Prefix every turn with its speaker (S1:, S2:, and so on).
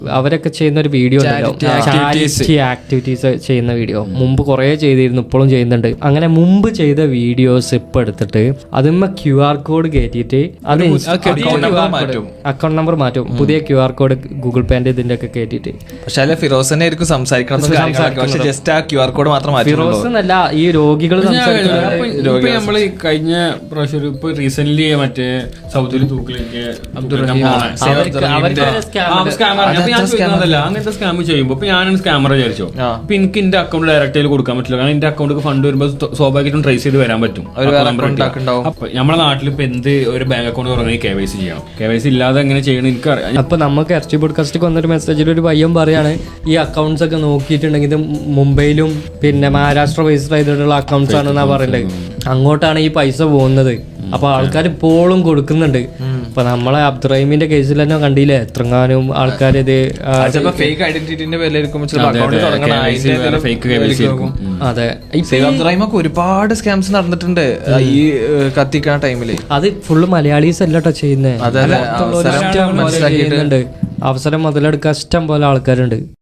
S1: അവരൊക്കെ ചെയ്യുന്ന ഒരു വീഡിയോ ചാരിറ്റി ആക്ടിവിറ്റീസ് ചെയ്യുന്ന വീഡിയോ മുമ്പ് കുറേ ചെയ്തിരുന്നു, ഇപ്പോഴും ചെയ്യുന്നുണ്ട്. അങ്ങനെ മുമ്പ് ചെയ്ത വീഡിയോസ് ഇപ്പൊ എടുത്തിട്ട് അതിന്മേ QR കോഡ് കയറ്റിയിട്ട് അത് അക്കൗണ്ട് നമ്പർ മാറ്റും, പുതിയ QR കോഡ് ഗൂഗിൾ പേന്റെ ഇതിന്റെ ഒക്കെ കയറ്റിട്ട്.
S2: പക്ഷേ ഫിറോസിനെ ആയിരിക്കും സംസാരിക്കണം, ജസ്റ്റ് ആ QR കോഡ് മാത്രം മാറ്റി.
S1: ഫിറോസ് എന്നല്ല, ഈ രോഗികൾ
S3: നമ്മൾ കഴിഞ്ഞ പ്രാവശ്യം ഇപ്പൊ റീസെന്റ് മറ്റേ സൗദിയിൽ തൂക്കിലേക്ക് അങ്ങനത്തെ സ്കാം ചെയ്യുമ്പോ ഇപ്പൊ ഞാനാണ് സ്കാമർ വിചാരിച്ചോ, അപ്പൊ എനിക്ക് എന്റെ അക്കൗണ്ട് ഡയറക്റ്റ് ആയിട്ട് കൊടുക്കാൻ പറ്റില്ല. കാരണം എന്റെ അക്കൗണ്ട് ഫണ്ട് വരുമ്പോൾ സ്വാഭാവികമായിട്ടും ട്രേസ് ചെയ്ത് വരാൻ പറ്റും. അപ്പൊ നമ്മുടെ നാട്ടിൽ ഇപ്പൊ എന്ത് ഒരു ബാങ്ക് അക്കൗണ്ട് തുടങ്ങി KYC ചെയ്യണം. KYC ഇല്ലാതെ എങ്ങനെ ചെയ്യണം എനിക്കറിയാം.
S1: അപ്പൊ നമുക്ക് എർച്ചി പോഡ്കാസ്റ്റിൽ വന്നൊരു മെസ്സേജിൽ ഒരു പയ്യൻ പറയാണ്, ഈ അക്കൗണ്ട്സ് ഒക്കെ നോക്കിയിട്ടുണ്ടെങ്കിൽ ഇത് മുംബൈയിലും പിന്നെ മഹാരാഷ്ട്ര രജിസ്റ്റർ ചെയ്തിട്ടുള്ള അക്കൗണ്ട്സ് ആണെന്നാ പറയുന്നത്. അങ്ങോട്ടാണ് ഈ പൈസ പോകുന്നത്. അപ്പൊ ആൾക്കാർ ഇപ്പോഴും കൊടുക്കുന്നുണ്ട്. ഇപ്പൊ നമ്മളെ അബ്ദുറഹീമിന്റെ കേസിൽ തന്നെ കണ്ടില്ലേ, എത്രങ്ങാനും ആൾക്കാർ ഇത്
S2: ഫേക്ക് ഐഡന്റിറ്റിന്റെ പേരിലായിരിക്കും.
S1: അതെ,
S2: അബ്ദുറഹീമൊക്കെ ഒരുപാട് സ്കാംസ് നടന്നിട്ടുണ്ട് ഈ കത്തിക്കണ ടൈമില്.
S1: അത് ഫുള്ള് മലയാളീസ് അല്ലട്ടോ ചെയ്യുന്നത്. അവസരം മുതലെടുക്കാൻ ഇഷ്ടം പോലെ ആൾക്കാരുണ്ട്.